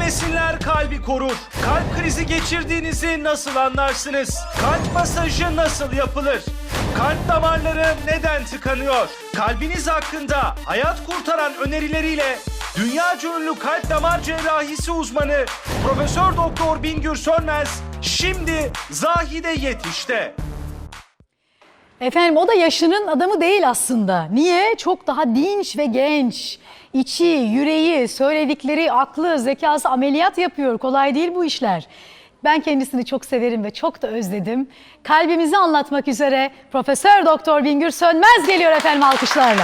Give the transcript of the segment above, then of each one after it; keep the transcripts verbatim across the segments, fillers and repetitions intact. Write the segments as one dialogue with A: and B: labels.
A: besinler kalbi korur. Kalp krizi geçirdiğinizi nasıl anlarsınız? Kalp masajı nasıl yapılır? Kalp damarları neden tıkanıyor? Kalbiniz hakkında hayat kurtaran önerileriyle dünyaca ünlü kalp damar cerrahisi uzmanı Profesör Doktor Bingür Sönmez şimdi Zahide Yetiş'te.
B: Efendim o da yaşının adamı değil aslında. Niye? Çok daha dinç ve genç. İçi, yüreği, söyledikleri, aklı, zekası ameliyat yapıyor. Kolay değil bu işler. Ben kendisini çok severim ve çok da özledim. Kalbimizi anlatmak üzere Profesör Doktor Bingür Sönmez geliyor efendim alkışlarla.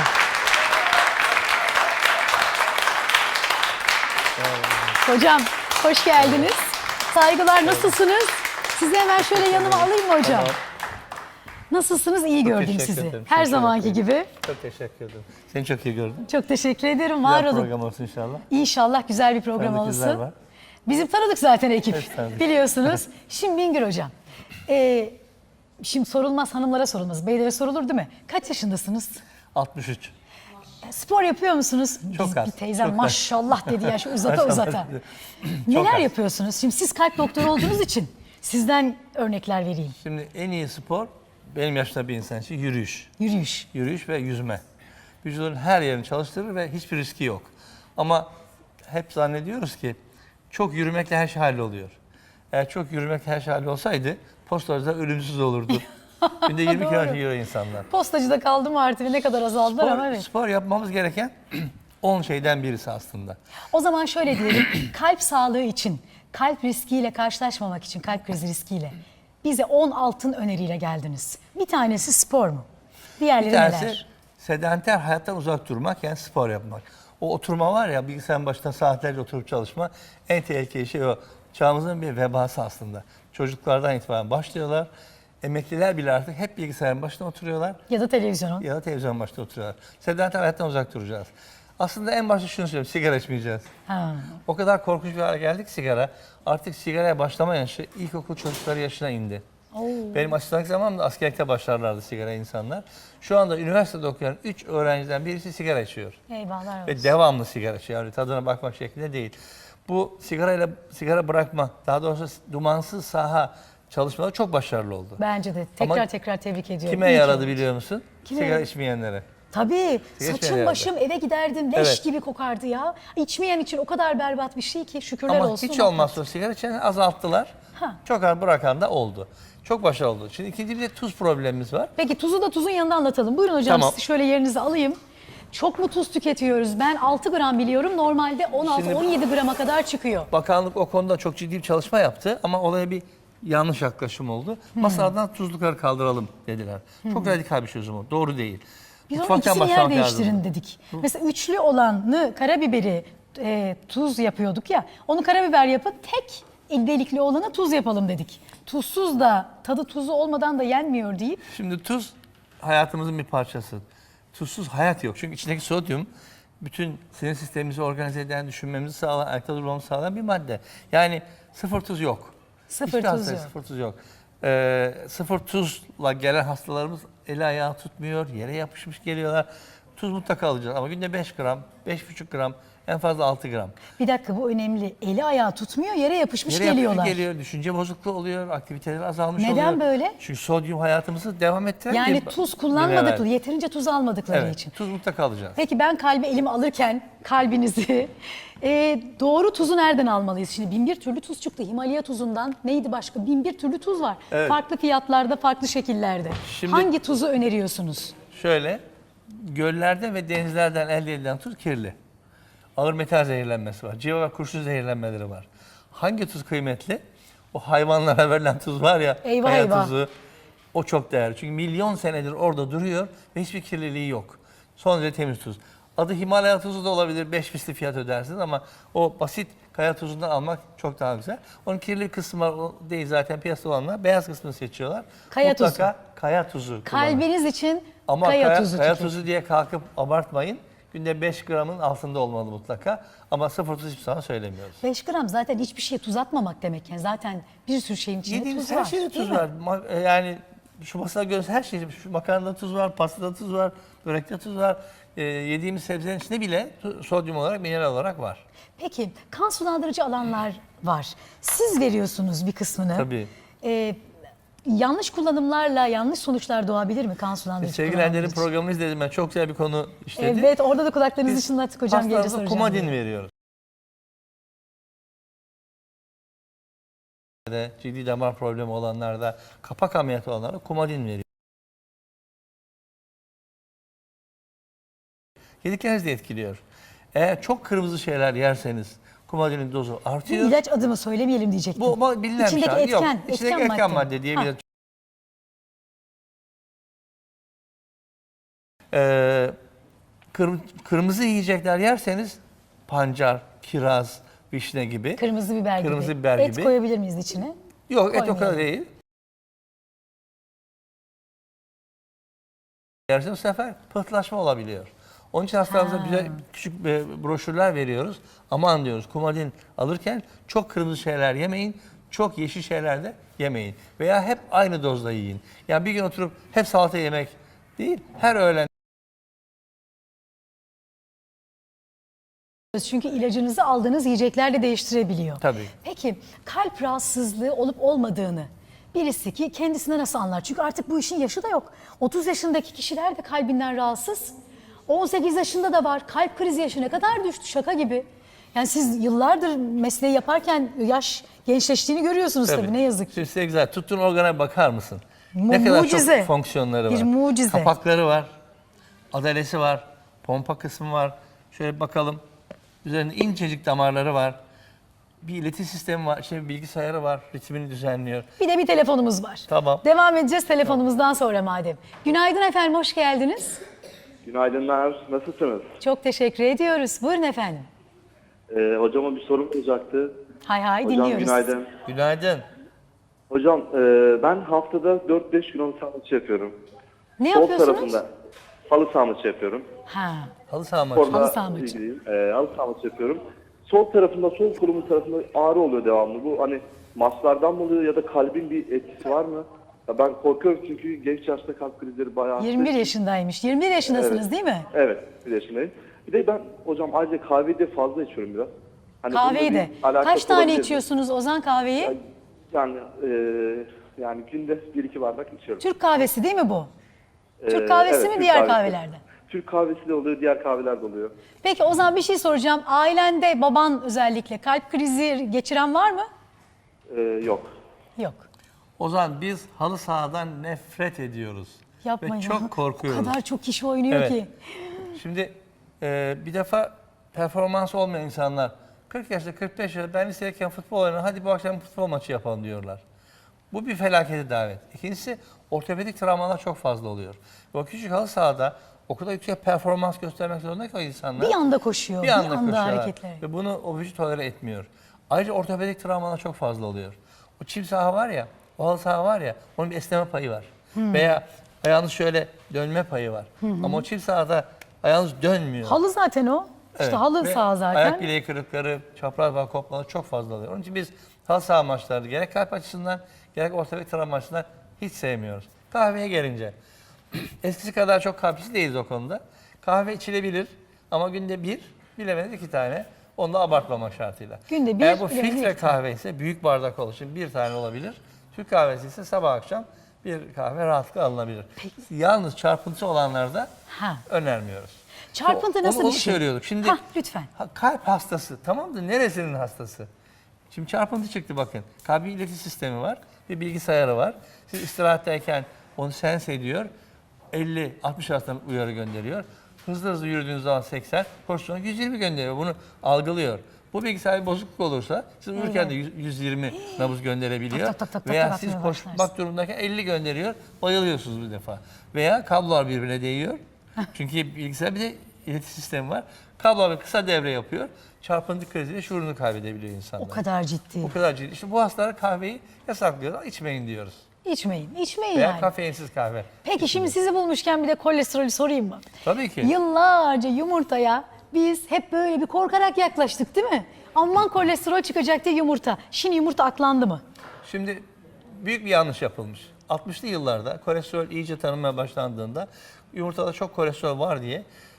B: Hocam hoş geldiniz. Saygılar, nasılsınız? Sizi hemen şöyle yanıma alayım mı hocam?
C: Tamam.
B: Nasılsınız? İyi
C: Çok
B: gördüm
C: teşekkür
B: sizi.
C: ederim.
B: Her
C: Çok
B: zamanki
C: teşekkür
B: gibi.
C: Çok teşekkür ederim. Seni çok iyi gördüm.
B: Çok teşekkür ederim. Var
C: Güzel
B: olun.
C: program olsun inşallah.
B: İnşallah güzel bir program
C: Tanıdık yüzler
B: olsun.
C: var.
B: Bizim tanıdık zaten ekip.
C: Evet, tanıdık.
B: Biliyorsunuz. Şimdi Bingür hocam. E, şimdi sorulmaz, hanımlara sorulmaz. Beylere sorulur değil mi? Kaç yaşındasınız?
C: altmış üç.
B: Spor yapıyor musunuz?
C: Çok
B: Biz,
C: az,
B: Bir teyzem
C: çok az.
B: maşallah dedi ya şu uzata
C: Maşallah
B: uzata.
C: dedi.
B: Neler
C: az.
B: yapıyorsunuz? Şimdi siz kalp doktoru olduğunuz için sizden örnekler vereyim.
C: Şimdi en iyi spor benim yaşta bir insan için yürüyüş.
B: Yürüyüş.
C: Yürüyüş ve yüzme. Vücudun her yerini çalıştırır ve hiçbir riski yok. Ama hep zannediyoruz ki çok yürümekle her şey halloluyor. Eğer çok yürümekle her şey hallolsaydı postacılar ölümsüz olurdu. Günde yirmi
B: Doğru.
C: kilometre yürüyor insanlar.
B: Postacıda kaldım artık ne kadar azaldılar ama
C: Spor,
B: evet.
C: spor yapmamız gereken on şeyden birisi aslında.
B: O zaman şöyle diyelim, kalp sağlığı için, kalp riskiyle karşılaşmamak için, kalp krizi riskiyle bize on altın öneriyle geldiniz. Bir tanesi spor mu? Diğerleri
C: Bir tanesi
B: neler?
C: sedanter hayattan uzak durmak, yani spor yapmak. O oturma var ya, bilgisayarın başında saatlerce oturup çalışma, en tehlikeli şey o. Çağımızın bir vebası aslında. Çocuklardan itibaren başlıyorlar. Emekliler bile artık hep bilgisayarın başında oturuyorlar
B: Ya da televizyonun.
C: ya da televizyon başında oturuyorlar. Sedanter hayattan uzak duracağız. Aslında en başta şunu söyleyeyim, sigara içmeyeceğiz.
B: Ha.
C: O kadar korkunç bir hale geldik sigara. Artık sigaraya başlama yaşı ilkokul çocukları yaşına indi.
B: Oo.
C: Benim asistanlık zamanımda askerlikte başlarlardı sigara insanlar. Şu anda üniversitede okuyan üç öğrenciden birisi sigara içiyor.
B: Eyvallah olsun.
C: Ve devamlı sigara içiyor. Yani tadına bakmak şeklinde değil. Bu sigarayla sigara bırakma, daha doğrusu dumansız saha çalışmaları çok başarılı oldu.
B: Bence de tekrar
C: Ama
B: tekrar tebrik ediyorum.
C: Kime
B: İyi ki
C: yaradı
B: oldu.
C: biliyor musun?
B: Kime
C: Sigara
B: yaradı?
C: içmeyenlere.
B: Tabii.
C: Sigara
B: Saçım
C: içmeyen
B: başım eve giderdim. Leş
C: Evet.
B: gibi kokardı ya. İçmeyen için o kadar berbat bir şey ki şükürler
C: Ama
B: olsun.
C: hiç olmazsa sigara içeni azalttılar.
B: Ha.
C: Çok az bırakan da oldu. Çok başarılı oldu. Şimdi ikinci bir de tuz problemimiz var.
B: Peki tuzu da tuzun yanında anlatalım. Buyurun hocam,
C: Tamam.
B: sizi şöyle yerinize alayım. Çok mu tuz tüketiyoruz? Ben altı gram biliyorum. Normalde on altı on yedi grama kadar çıkıyor.
C: Bakanlık o konuda çok ciddi bir çalışma yaptı ama olaya bir yanlış yaklaşım oldu. Masadan tuzlukları kaldıralım dediler. Çok radikal bir çözüm o. Doğru değil.
B: Biz onun
C: Mutfaktan
B: ikisini yer
C: başlamak
B: değiştirin
C: lazım.
B: dedik. Mesela üçlü olanı karabiberi e, tuz yapıyorduk ya. Onu karabiber yapın, tek delikli olanı tuz yapalım dedik. Tuzsuz da tadı tuzu olmadan da yenmiyor deyip.
C: Şimdi tuz hayatımızın bir parçası. Tuzsuz hayat yok. Çünkü içindeki sodyum bütün sinir sistemimizi organize eden, düşünmemizi sağlayan, ayakta durmamızı sağlayan bir madde. Yani sıfır tuz yok.
B: Sıfır
C: Hiçbir
B: tuz
C: hastaya
B: yok.
C: Sıfır tuz yok. Ee, sıfır tuzla gelen hastalarımız eli ayağı tutmuyor, yere yapışmış geliyorlar. Tuz mutlaka alacağız ama günde beş gram, beş buçuk gram, en fazla altı gram.
B: Bir dakika, bu önemli. Eli ayağı tutmuyor, yere yapışmış
C: Yere yapışmış
B: geliyorlar.
C: geliyor, düşünce bozukluğu oluyor, aktiviteleri azalmış
B: Neden
C: oluyor.
B: böyle?
C: Çünkü sodyum hayatımızı devam ettiren
B: Yani
C: bir
B: tuz
C: bir
B: kullanmadıkları,
C: mineral.
B: yeterince tuz almadıkları
C: Evet,
B: için.
C: tuz mutlaka alacağız.
B: Peki ben kalbi elime alırken kalbinizi e, doğru tuzu nereden almalıyız? Şimdi bin bir türlü tuz çıktı. Himalaya tuzundan neydi başka? Bin bir türlü tuz var.
C: Evet.
B: Farklı fiyatlarda, farklı şekillerde.
C: Şimdi-
B: Hangi tuzu öneriyorsunuz?
C: Şöyle, göllerden ve denizlerden elde edilen tuz kirli. Ağır metal zehirlenmesi var. Civa ve kurşun zehirlenmeleri var. Hangi tuz kıymetli? O hayvanlara verilen tuz var ya,
B: Eyvah,
C: kaya
B: eyvah.
C: tuzu. O çok değerli. Çünkü milyon senedir orada duruyor ve hiçbir kirliliği yok. Son derece temiz tuz. Adı Himalaya tuzu da olabilir. Beş misli fiyat ödersiniz ama o basit kaya tuzundan almak çok daha güzel. Onun kirli kısmı o değil zaten, piyasada olanlar. Beyaz kısmını seçiyorlar.
B: Kaya
C: Mutlaka
B: tuzu.
C: kaya tuzu kullanın.
B: Kalbiniz için
C: Ama
B: kaya,
C: kaya,
B: tuzu
C: kaya
B: tüketin.
C: tuzu diye kalkıp abartmayın. Günde beş gramın altında olmalı mutlaka. Ama sıfır tuz hiçbir zaman söylemiyoruz.
B: beş gram zaten hiçbir şeye tuz atmamak demek. Yani zaten bir sürü şeyin içinde
C: Yediğimiz
B: tuz
C: her
B: var.
C: şeyde
B: değil
C: tuz
B: mi?
C: var. Ma- e, Yani şu masada gördüğünüz her şeyde, şu makarnada tuz var, pastada tuz var, börekte tuz var. e, yediğimiz sebzelerin içinde bile sodyum olarak, mineral olarak var.
B: Peki kan sulandırıcı alanlar var. Siz veriyorsunuz bir kısmını.
C: Tabii.
B: Ee, yanlış kullanımlarla yanlış sonuçlar doğabilir mi kan sulandırıcı
C: Sevgili
B: kullanımlar
C: Ender'in
B: için?
C: programını izledim ben. Çok güzel bir konu işledi.
B: Evet, orada da kulaklarınızı
C: Biz
B: çınlattık hocam. Gelince
C: hastalarımıza
B: soracağım.
C: kumadin
B: diye.
C: veriyoruz. Ciddi damar problemi olanlarda, kapak ameliyatı olanlarda kumadin veriyoruz. Yedikleriniz de etkiliyor. Eğer çok kırmızı şeyler yerseniz kumadinin dozu
B: Bu
C: artıyor.
B: ilaç adımı söylemeyelim diyecektim.
C: Bu, bu bilinen
B: İçindeki
C: bir şey.
B: etken,
C: Yok, içindeki
B: etken
C: etken
B: madde.
C: madde diyebiliriz. Ee, kırm- kırmızı yiyecekler yerseniz pancar, kiraz, vişne gibi.
B: Kırmızı biber gibi.
C: Kırmızı biber
B: Et
C: gibi.
B: koyabilir miyiz içine?
C: Yok, et o
B: Koymayalım.
C: kadar değil. Yerseniz bu sefer pıhtılaşma olabiliyor. Onun için hastalarımıza
B: Ha.
C: güzel küçük e, broşürler veriyoruz. Aman diyoruz, kumadin alırken çok kırmızı şeyler yemeyin, çok yeşil şeyler de yemeyin. Veya hep aynı dozda yiyin. Yani bir gün oturup hep salata yemek değil, her öğlen
B: Çünkü ilacınızı aldığınız yiyecekler de değiştirebiliyor.
C: Tabii.
B: Peki kalp rahatsızlığı olup olmadığını birisi ki kendisine nasıl anlar? Çünkü artık bu işin yaşı da yok. otuz yaşındaki kişiler de kalbinden rahatsız. on sekiz yaşında da var. Kalp krizi yaşı ne kadar düştü, şaka gibi. Yani siz yıllardır mesleği yaparken yaş gençleştiğini görüyorsunuz tabii, ne yazık ki.
C: Şimdi size güzel. Tuttuğun organa bakar mısın?
B: Mu-
C: ne kadar
B: mucize.
C: çok fonksiyonları var.
B: Bir mucize.
C: Kapakları var. Adalesi var. Pompa kısmı var. Şöyle bakalım. Üzerinde incecik damarları var. Bir ileti sistemi var. İşte bir bilgisayarı var. Ritmini düzenliyor.
B: Bir de bir telefonumuz var.
C: Tamam.
B: Devam edeceğiz telefonumuzdan sonra madem. Günaydın efendim, hoş geldiniz.
D: Günaydınlar, nasılsınız?
B: Çok teşekkür ediyoruz. Buyurun efendim.
D: Ee, hocama bir sorum olacaktı.
B: Hay hay
D: Hocam
B: dinliyoruz.
D: günaydın.
C: Günaydın.
D: Hocam e, ben haftada dört beş gün halı saha maçı yapıyorum.
B: Ne
D: Sol
B: yapıyorsunuz?
D: tarafında halı saha maçı yapıyorum.
B: Ha.
C: Halı saha maçı.
D: Orada
B: Halı saha maçı.
D: ilgiliyim. E, halı saha maçı yapıyorum. Sol tarafında, sol kolumun tarafında ağrı oluyor devamlı. Bu hani maçlardan mı oluyor ya da kalbin bir etkisi var mı? Ya ben korkuyorum çünkü genç yaşta kalp krizleri bayağı...
B: yirmi bir yaşındaymış. yirmi bir yaşındasınız
D: Evet.
B: değil mi?
D: Evet, bir yaşındayım. Bir de ben hocam ayrıca kahveyi de fazla içiyorum biraz. Hani
B: Kahveyi
D: bununla
B: de.
D: bir alakası
B: Kaç tane
D: olabilir mi?
B: içiyorsunuz Ozan kahveyi?
D: Yani e, yani günde bir iki bardak içiyorum.
B: Türk kahvesi değil mi bu?
D: Ee,
B: Türk kahvesi
D: evet,
B: mi
D: Türk
B: diğer
D: kahvesi.
B: kahvelerde?
D: Türk kahvesi de oluyor, diğer kahveler de oluyor.
B: Peki Ozan bir şey soracağım. Ailende baban özellikle kalp krizi geçiren var mı?
D: Ee, yok.
B: Yok.
C: Ozan, biz halı sahadan nefret ediyoruz.
B: Yapma
C: Ve
B: ya.
C: çok korkuyoruz.
B: O kadar çok kişi oynuyor
C: Evet.
B: ki.
C: Şimdi e, bir defa performans olmayan insanlar kırk yaşında, kırk beş yaşında ben lisedeyken futbol oynadım, hadi bu akşam futbol maçı yapalım diyorlar. Bu bir felakete davet. İkincisi ortopedik travmalar çok fazla oluyor. Ve o küçük halı sahada o kadar yüksek performans göstermek zorunda ki o insanlar.
B: Bir anda koşuyor, bir anda,
C: koşuyorlar.
B: hareketler.
C: Ve bunu o vücut tolere etmiyor. Ayrıca ortopedik travmalar çok fazla oluyor. O çim saha var ya, o halı saha var ya, onun bir esneme payı var. Veya ayağınız şöyle dönme payı var. Ama o çim sahada ayağınız dönmüyor.
B: Halı zaten o. İşte
C: Evet.
B: halı
C: Ve
B: saha zaten.
C: Ayak bileği kırıkları, çapraz bağ kopmaları çok fazla oluyor. Onun için biz halı saha maçları gerek kalp açısından gerek ortopedik travma açısından hiç sevmiyoruz. Kahveye gelince eskisi kadar çok kahveci değiliz o konuda. Kahve içilebilir ama günde bir, bilemediniz iki tane. Onu da abartmamak şartıyla.
B: Günde bir,
C: Eğer bu
B: bilemediniz
C: filtre
B: iki tane.
C: kahve ise büyük bardak olur. Şimdi bir tane olabilir. Türk kahvesi ise sabah akşam bir kahve rahatlıkla alınabilir. Yalnız çarpıntısı olanlarda
B: Ha.
C: önermiyoruz.
B: Çarpıntı
C: Onu-
B: nasıl
C: onu
B: bir şey?
C: söylüyorduk. Şimdi
B: Hah, lütfen.
C: ha, kalp hastası tamam da neresinin hastası? Şimdi çarpıntı çıktı bakın. Kalbi ileti sistemi var. Bir bilgisayarı var. Siz istirahatteyken onu sense ediyor. elli altmış arasında uyarı gönderiyor. Hızlı hızlı yürüdüğünüz zaman seksen, koştuğunuz yüz yirmi gönderiyor. Bunu algılıyor. Bu bilgisayar bir bozukluk olursa siz uyurken de yüz- yüz yirmi nabız gönderebiliyor.
B: Tak, tak, tak, tak,
C: Veya
B: tak
C: siz
B: atmaya
C: koşmak
B: başlarsın.
C: durumundayken elli gönderiyor. Bayılıyorsunuz bir defa. Veya kablolar birbirine değiyor. Çünkü bilgisayar bir de iletişim sistemi var. Kablolar kısa devre yapıyor. Çarpıntı kriziyle şuurunu kaybedebiliyor insanlar.
B: O kadar ciddi.
C: O kadar ciddi. İşte bu hastalara kahveyi yasaklıyoruz. İçmeyin diyoruz.
B: İçmeyin, içmeyin
C: Veya
B: yani.
C: kafeinsiz kahve.
B: Peki şimdi sizi bulmuşken bir de kolesterolü sorayım mı?
C: Tabii ki.
B: Yıllarca yumurtaya biz hep böyle bir korkarak yaklaştık değil mi? Aman kolesterol çıkacak diye yumurta. Şimdi yumurta aklandı mı?
C: Şimdi büyük bir yanlış yapılmış. altmışlı yıllarda kolesterol iyice tanınmaya başlandığında yumurtada çok kolesterol var diye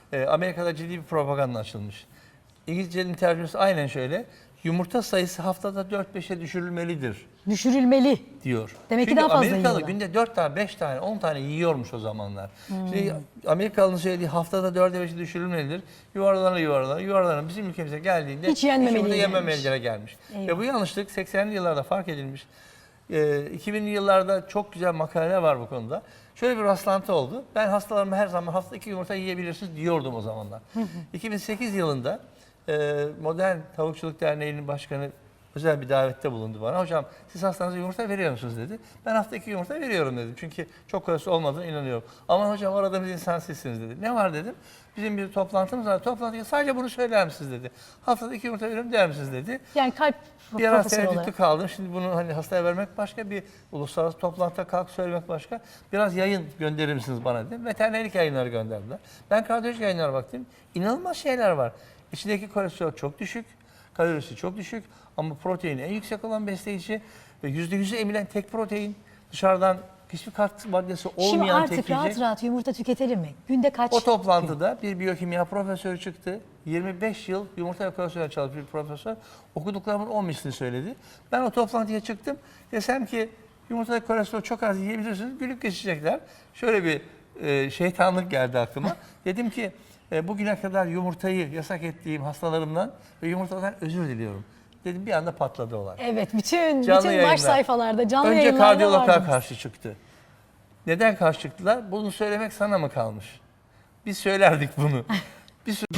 C: e, Amerika'da ciddi bir propaganda açılmış. İngilizcenin tercümesi aynen şöyle. Yumurta sayısı haftada dört beşe düşürülmelidir
B: Düşürülmeli.
C: diyor.
B: Demek ki
C: Çünkü
B: daha fazla
C: Amerikalı
B: yiyorlar.
C: günde dört tane, beş tane, on tane yiyormuş o zamanlar. Şimdi Amerikalı'nın söylediği haftada dörde beşe düşürülmelidir. Yuvarlana yuvarlana yuvarlana bizim ülkemize geldiğinde
B: Hiç yenmemeli
C: yumurta
B: gelmiş.
C: yememelilere gelmiş.
B: Eyvah.
C: Ve bu yanlışlık seksenli yıllarda fark edilmiş. Ee, iki binli yıllarda çok güzel makaleler var bu konuda. Şöyle bir rastlantı oldu. Ben hastalarıma her zaman hafta iki yumurta yiyebilirsiniz diyordum o zamanlar. iki bin sekiz yılında e, Modern Tavukçuluk Derneği'nin başkanı özel bir davette bulundu bana. Hocam siz hastanıza yumurta veriyor musunuz dedi. Ben hafta iki yumurta veriyorum dedim. Çünkü çok kolesterol olmadığına inanıyorum. Aman hocam aradığımız insan sizsiniz dedi. Ne var dedim. Bizim bir toplantımız var. Toplantıya sadece bunu söyler misiniz dedi. Haftada iki yumurta veriyorum der misiniz dedi.
B: Yani kalp
C: Bir ara
B: profesörü
C: tereddütlü
B: olarak.
C: kaldım. Şimdi bunu hani hastaya vermek başka, bir uluslararası toplantıda kalk söylemek başka. Biraz yayın gönderir misiniz bana dedim. Veterinerlik yayınları gönderdiler. Ben kardiyolojik yayınlara baktım. İnanılmaz şeyler var. İçindeki kolesterol çok düşük, kalorisi çok düşük ama proteini en yüksek olan besleyici ve yüzde yüzü emilen tek protein. Dışarıdan hiçbir katkı maddesi
B: Şimdi
C: olmayan
B: artık
C: tek
B: rahat
C: yiyecek.
B: rahat yumurta tüketelim mi? Günde kaç?
C: O toplantıda bir biyokimya profesörü çıktı. yirmi beş yıl yumurta ve kolesterol çalışmış bir profesör. Okuduklarımın on mislini söyledi. Ben o toplantıya çıktım. Desem ki yumurta ve kolesterol çok az yiyebilirsiniz. Gülüp geçecekler. Şöyle bir e, şeytanlık geldi aklıma. Dedim ki e, bugüne kadar yumurtayı yasak ettiğim hastalarımdan ve yumurtadan özür diliyorum. Dedim bir anda patladı olay.
B: Evet, bütün
C: Canlı
B: bütün
C: yayınlar.
B: baş sayfalarda, canlı
C: Önce
B: yayınlarda
C: kardiyologlar
B: vardınız.
C: karşı çıktı. Neden karşı çıktılar? Bunu söylemek sana mı kalmış? Biz söylerdik bunu. Bir sürü